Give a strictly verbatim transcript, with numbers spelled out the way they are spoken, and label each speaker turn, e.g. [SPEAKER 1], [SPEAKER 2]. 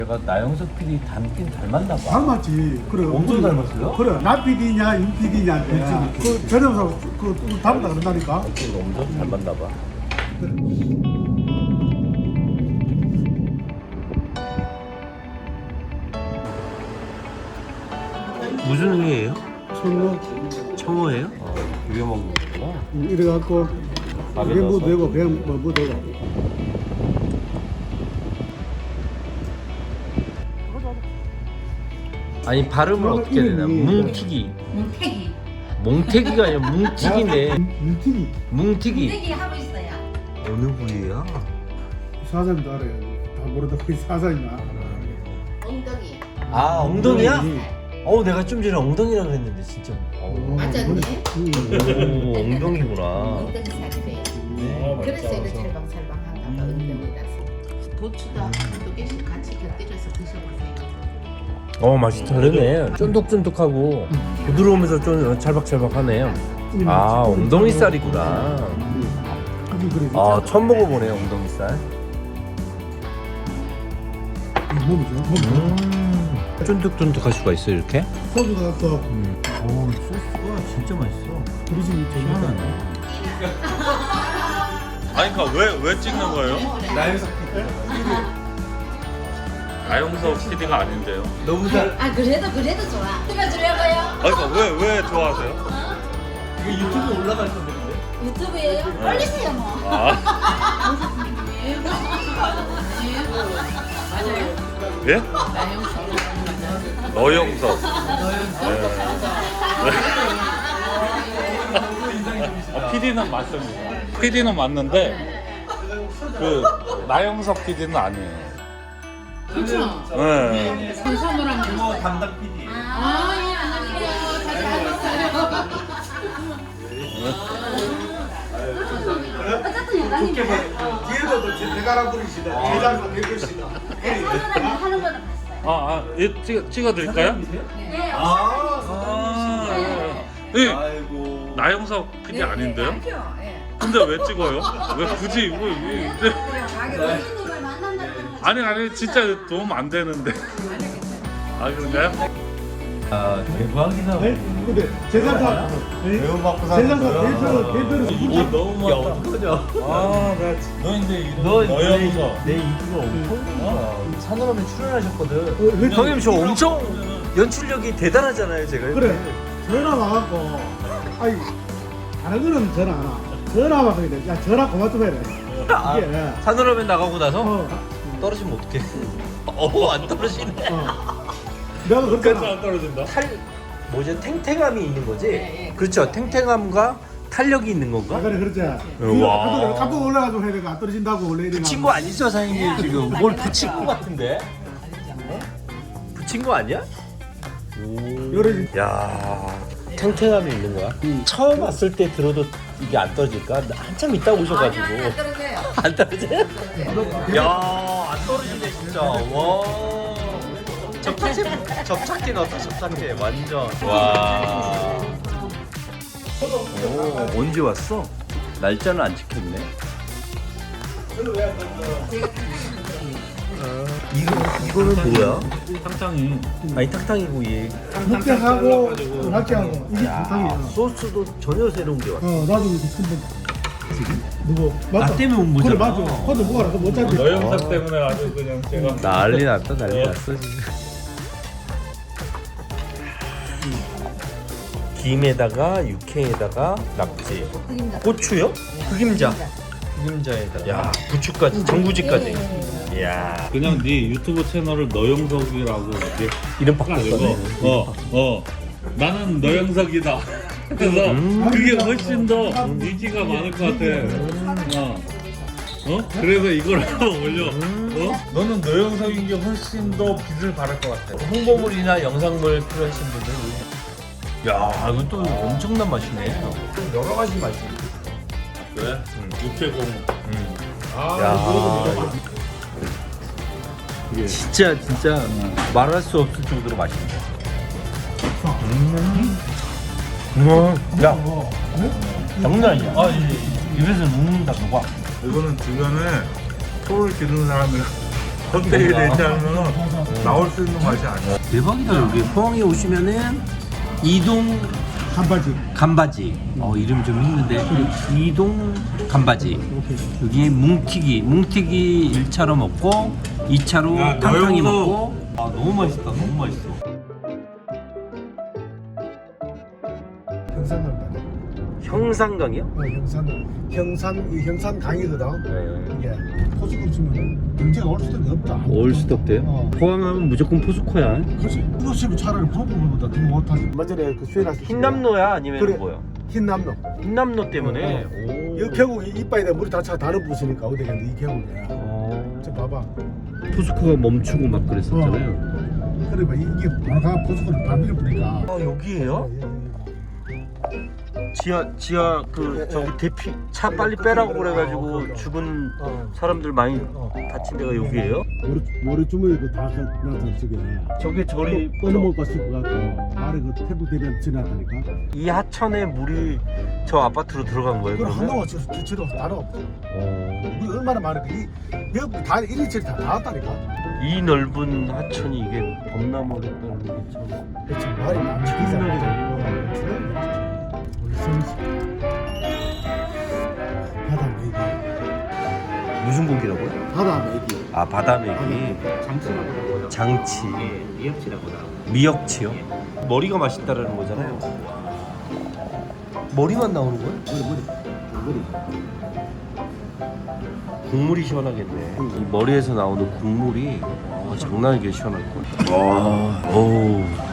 [SPEAKER 1] 내가 나영석 피디 닮긴 닮았나 봐.
[SPEAKER 2] 닮았지. 그래.
[SPEAKER 1] 엄청
[SPEAKER 2] 우리-
[SPEAKER 1] 닮았어요?
[SPEAKER 2] 그래. 나 피디냐, 윤 피디냐인데. 그 전염사 그 닮았다 그런다니까.
[SPEAKER 1] 엄청 닮았나 봐. 무슨 회예요?
[SPEAKER 2] 청어
[SPEAKER 1] 청어예요? 어, 비벼 먹는 거구나.
[SPEAKER 2] 이래 갖고
[SPEAKER 1] 밥에
[SPEAKER 2] 그게 뭐
[SPEAKER 1] 넣어서?
[SPEAKER 2] 되고 그냥 뭐, 뭐 되고.
[SPEAKER 1] 아니 발음을
[SPEAKER 2] 그러면
[SPEAKER 1] 어떻게 해야 되나?
[SPEAKER 2] 이름이-
[SPEAKER 1] 뭉튀기.
[SPEAKER 3] 뭉태기.
[SPEAKER 1] 몽태기가 아니라 뭉튀기네.
[SPEAKER 2] 윤튀기
[SPEAKER 1] 뭉튀기.
[SPEAKER 3] 뭉태기 하고 있어요.
[SPEAKER 1] 어느 부위야?
[SPEAKER 2] 사장님도 알아요. 다 모르다 거기 사장이나.
[SPEAKER 3] 엉덩이.
[SPEAKER 1] 아 엉덩이야? 어 내가 좀 전에 엉덩이라 그랬는데 진짜. 어.
[SPEAKER 3] 맞았네.
[SPEAKER 1] 오 엉덩이구나.
[SPEAKER 3] 엉덩이 살이래요.
[SPEAKER 1] 네.
[SPEAKER 3] 그래서 이렇게 살방살방한가 봐. 엉덩이라서. 고추도 한두 개씩 같이 곁들여서 드셔보세요.
[SPEAKER 1] 어 맛이 다르네. 쫀득쫀득하고 부드러우면서 좀 찰박찰박하네. 아 엉덩이살이구나. 아 처음 먹어보네요 엉덩이살.
[SPEAKER 2] 몸이죠. 몸.
[SPEAKER 1] 음 쫀득쫀득할 수가 있어 이렇게?
[SPEAKER 2] 소주가 갖고
[SPEAKER 1] 음. 오 소스가 진짜 맛있어.
[SPEAKER 2] 그러지
[SPEAKER 1] 희한하네.
[SPEAKER 4] 아니 그러니까 왜, 왜 찍는 거예요?
[SPEAKER 1] 나영석
[SPEAKER 4] 나영석 피디가 아닌데요.
[SPEAKER 1] 너무 잘.
[SPEAKER 3] 아 그래도 그래도 좋아. 찍어주려고요.
[SPEAKER 4] 아니 그러니까 왜, 왜 좋아하세요?
[SPEAKER 1] 이게 유튜브에 올라갈 건데 근데.
[SPEAKER 3] 유튜브에요? 올리세요 뭐.
[SPEAKER 4] 아,
[SPEAKER 3] 맞아요.
[SPEAKER 4] 예?
[SPEAKER 3] 나영석.
[SPEAKER 4] 너영석. 아, 피디는 맞습니다. 피디는 맞는데 그 나영석 피디는 아니에요.
[SPEAKER 3] 그렇죠.
[SPEAKER 4] 네.
[SPEAKER 3] 선선우랑
[SPEAKER 1] 뭐 담당 피디.
[SPEAKER 3] 아, 예, 안녕하세요. 잘 지내셨어요? 어쨌든 여당님
[SPEAKER 2] 뒤에도 대가라 부리시다. 대장사 대표시다.
[SPEAKER 3] 선선우랑 하는 거는 봤어요.
[SPEAKER 4] 아, 아, 예, 찍어, 찍어드릴까요?
[SPEAKER 3] 네.
[SPEAKER 4] 아, 예.
[SPEAKER 1] 아이고.
[SPEAKER 4] 나영석 피디 아닌데요?
[SPEAKER 3] 알죠? 예.
[SPEAKER 4] 근데 왜 찍어요? 왜 굳이 이거 이제
[SPEAKER 3] 가게 어린이를 만난다는 건
[SPEAKER 4] 아니 아니 진짜 도움 안 되는데. 아 그런가요?
[SPEAKER 1] 아 대박이다.
[SPEAKER 2] 네? 근데 제장사
[SPEAKER 1] 배우받고
[SPEAKER 2] 제장사 대표 대표를
[SPEAKER 4] 오 너무
[SPEAKER 1] 야
[SPEAKER 4] 많다.
[SPEAKER 1] 어떡하냐.
[SPEAKER 4] 아나 너 이제 이름
[SPEAKER 1] 너
[SPEAKER 4] 너영석.
[SPEAKER 1] 내 인기가 엄청 큰 거야. 산호라면 출연하셨거든.
[SPEAKER 2] 어,
[SPEAKER 1] 형님 저 엄청 연출력이 대단하잖아요 제가.
[SPEAKER 2] 그래 전화 와갖고 아이 다른 거는 전화 안 와. 전화 와서 이래 야 전화 그만 좀 해라.
[SPEAKER 1] 아,
[SPEAKER 2] 이게
[SPEAKER 1] 산호라면 나가고 나서
[SPEAKER 2] 어,
[SPEAKER 1] 떨어지면 어떡해. 어안 떨어지네.
[SPEAKER 2] 어. 내가 그랬잖아.
[SPEAKER 4] 안 떨어진다.
[SPEAKER 1] 탈 뭐지 탱탱함이 있는 거지.
[SPEAKER 3] 네, 네.
[SPEAKER 1] 그렇죠. 탱탱함과 탄력이 있는
[SPEAKER 2] 아
[SPEAKER 1] 건가?
[SPEAKER 2] 그래 그랬지.
[SPEAKER 1] 우와.
[SPEAKER 2] 깜짝 놀라가지고 해야 안 떨어진다고 원래 이래.
[SPEAKER 1] 붙인 거 아니죠 사장님 지금? 뭘 붙인 거 같은데? 어? 붙인 거 아니야?
[SPEAKER 2] 요래
[SPEAKER 1] 야 탱탱함이 있는 거야? 처음 왔을 때 들어도 이게 안 떨어질까? 한참 있다 오셔가지고
[SPEAKER 3] 아니, 아니, 안 떨어져요.
[SPEAKER 1] 안 떨어져요? 야안 떨어지네 진짜. 와 접착제 접착제 넣었다 접착제 완전. 와. 오 언제 왔어? 날짜는 안 찍혔네. 이거 이거는 뭐야?
[SPEAKER 4] 상당히
[SPEAKER 1] 아니 탕탕이고 얘.
[SPEAKER 2] 육개하고 낙지하고 이게
[SPEAKER 1] 야,
[SPEAKER 2] 정상이야.
[SPEAKER 1] 소스도 전혀 새로운 게 왔어.
[SPEAKER 2] 어 나도 이렇게 큰데 누구 맞다.
[SPEAKER 1] 나 때문에 온
[SPEAKER 2] 그래
[SPEAKER 1] 거잖아.
[SPEAKER 2] 맞아. 근데 뭐가 나서 못 잡지.
[SPEAKER 4] 너영석 때문에 아주 그냥 제가
[SPEAKER 1] 난리 났다 난리 났어 지금. 김에다가 육회에다가 낙지, 고추요? 흑임자. 흑임자에다가 야 부추까지 전구지까지. 이야
[SPEAKER 4] 그냥 네 유튜브 채널을 너영석이라고 이렇게
[SPEAKER 1] 이름
[SPEAKER 4] 가지고
[SPEAKER 1] 바꿨어.
[SPEAKER 4] 어, 어. 나는 너영석이다. 그래서
[SPEAKER 1] 음.
[SPEAKER 4] 그게 훨씬 더 인기가 많을 것 같아. 어. 어? 그래서 이걸 하나 올려. 어? 너는 너영석인 게 훨씬 더 빛을 발할 것 같아.
[SPEAKER 1] 홍보물이나 영상물 필요하신 분들. 야 이건 또 엄청난 맛이네. 여러 가지 맛이.
[SPEAKER 4] 그래? 응. 육회공.
[SPEAKER 1] 음.
[SPEAKER 4] 아,
[SPEAKER 1] 야
[SPEAKER 4] 이게
[SPEAKER 1] 진짜 진짜 말할 수 없을 정도로 맛있네. 음. 음. 야 장난 아니야. 아 입에서 녹는다 녹아.
[SPEAKER 4] 이거는 주변에 소를 기르는 사람이 껍데기 내지 않으면 나올 수 있는 맛이 아니야.
[SPEAKER 1] 대박이다. 여기 포항에 오시면은 이동
[SPEAKER 2] 한바지.
[SPEAKER 1] 간바지. 어 이름 좀 있는데 이동 간바지.
[SPEAKER 2] 오케이.
[SPEAKER 1] 여기 뭉티기. 뭉티기 일 차로 먹고 이 차로
[SPEAKER 4] 야,
[SPEAKER 1] 탕탕이
[SPEAKER 4] 너영도-
[SPEAKER 1] 먹고. 아 너무 맛있다. 너무 맛있어.
[SPEAKER 2] 형산강이다.
[SPEAKER 1] 형상강이요?
[SPEAKER 2] 어, 형산. 형산 이 형산 강이거든.
[SPEAKER 1] 네.
[SPEAKER 2] 이게 포스코 치면 경제가 올 수도 없다.
[SPEAKER 1] 올수도 없대요?
[SPEAKER 2] 어.
[SPEAKER 1] 포항하면 무조건 포스코야.
[SPEAKER 2] 그렇지. 이거 치면 차라리 프로보보다 더 못하지. 먼저에 그 수행할
[SPEAKER 1] 흰남노야 아니면
[SPEAKER 2] 그래.
[SPEAKER 1] 뭐야?
[SPEAKER 2] 흰남로.
[SPEAKER 1] 흰남노 때문에.
[SPEAKER 2] 이 계곡이 이빨에 물이 다 차 다른 부시니까 어디겠는데 이 계곡이야.
[SPEAKER 1] 오.
[SPEAKER 2] 저 봐봐.
[SPEAKER 1] 포스코가 멈추고 막 그랬었잖아요.
[SPEAKER 2] 그래 봐 이게 바로가 포스코를 반비를 뿌니까.
[SPEAKER 1] 아 여기에요? 지하 지하 그
[SPEAKER 2] 예, 예.
[SPEAKER 1] 저기 대피 차 빨리
[SPEAKER 2] 그-
[SPEAKER 1] 빼라고
[SPEAKER 2] 그-
[SPEAKER 1] 그래가지고
[SPEAKER 2] 어, 그렇죠.
[SPEAKER 1] 죽은
[SPEAKER 2] 어.
[SPEAKER 1] 사람들 많이
[SPEAKER 2] 어.
[SPEAKER 1] 다친 데가 여기에요?
[SPEAKER 2] 머리 머리 주머니 그다 나타 저게.
[SPEAKER 1] 저게 저리
[SPEAKER 2] 끊어먹을 거 씹고 갖고 아래 그 태풍 대변 지났다니까.
[SPEAKER 1] 이 하천에 물이 저 아파트로 들어간 거예요?
[SPEAKER 2] 그걸
[SPEAKER 1] 그러면?
[SPEAKER 2] 한동안 저 지로 다른 없어.
[SPEAKER 1] 어.
[SPEAKER 2] 물이 얼마나 많은데 이 여기 다 일일치 다 나왔다니까.
[SPEAKER 1] 이 넓은 하천이 이게 범람을 했다는 게 참.
[SPEAKER 2] 그렇지 말이 안 지키잖아. 우리 성시 바다 메기.
[SPEAKER 1] 무슨 고기라고요?
[SPEAKER 2] 바다 메기.
[SPEAKER 1] 아 바다메기.
[SPEAKER 3] 장치라고 그러고요.
[SPEAKER 1] 장치.
[SPEAKER 3] 예, 미역치라고 나오고.
[SPEAKER 1] 미역치요? 머리가 맛있다라는 거잖아요. 머리만 나오는 거예요?
[SPEAKER 2] 머리 머리 머리.
[SPEAKER 1] 국물이 시원하겠네. 이 머리에서 나오는 국물이 어, 장난 아니게 시원할 거예요. 와, 오.